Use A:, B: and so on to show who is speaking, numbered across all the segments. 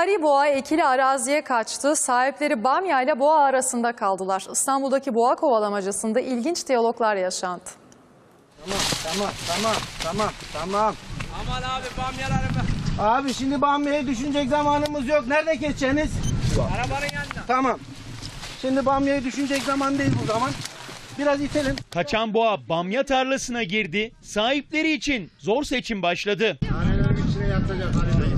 A: Firari boğa ekili araziye kaçtı. Sahipleri bamya ile boğa arasında kaldılar. İstanbul'daki boğa kovalamacasında ilginç diyaloglar yaşandı.
B: Tamam.
C: Aman abi bamyalarım.
B: Abi şimdi bamyaya düşünecek zamanımız yok. Nerede geçeceğiniz?
C: Arabanın yanında.
B: Tamam. Şimdi bamyaya düşünecek zaman değil bu zaman. Biraz itelim.
D: Kaçan boğa bamya tarlasına girdi. Sahipleri için zor seçim başladı.
E: Nanelerin içine yatacak.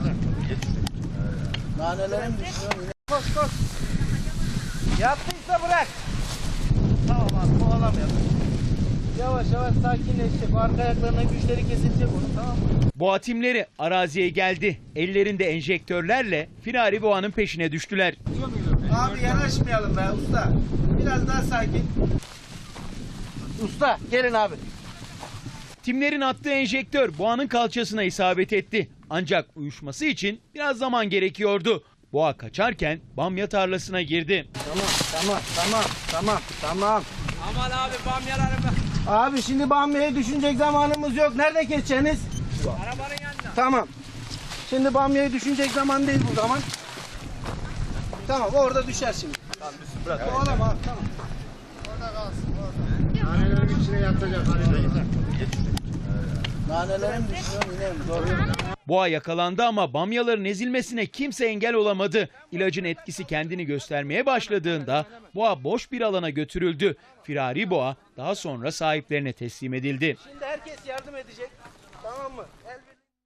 B: Nanelerim düşüyor. Koş. Yattıysa bırak. Tamam abi kovalamayalım. Yavaş sakinleşecek. Arka ayaklarına güçleri kesilecek onu, tamam mı?
D: Boğa timleri araziye geldi. Ellerinde enjektörlerle Firari boğanın peşine düştüler.
B: Abi yanaşmayalım be usta. Biraz daha sakin. Usta gelin abi.
D: Timlerin attığı enjektör boğanın kalçasına isabet etti. Ancak uyuşması için biraz zaman gerekiyordu. Boğa kaçarken bamya tarlasına girdi.
B: Tamam.
C: Aman abi bamyalarım.
B: Abi şimdi bamyaya düşünecek zamanımız yok. Nerede geçeceğiniz?
C: Arabanın yanında.
B: Tamam. Şimdi bamyaya düşünecek zaman değil bu zaman. Tamam orada düşer şimdi. Tamam bırak. Kovalama abi tamam.
E: Orada kalsın. Nanelerin içine yatacak.
B: Nanelerim düşüyor inerim. Doğru.
D: Boğa yakalandı ama bamyaların ezilmesine kimse engel olamadı. İlacın etkisi kendini göstermeye başladığında boğa boş bir alana götürüldü. Firari boğa daha sonra sahiplerine teslim edildi.
B: Şimdi herkes yardım edecek. Tamam mı?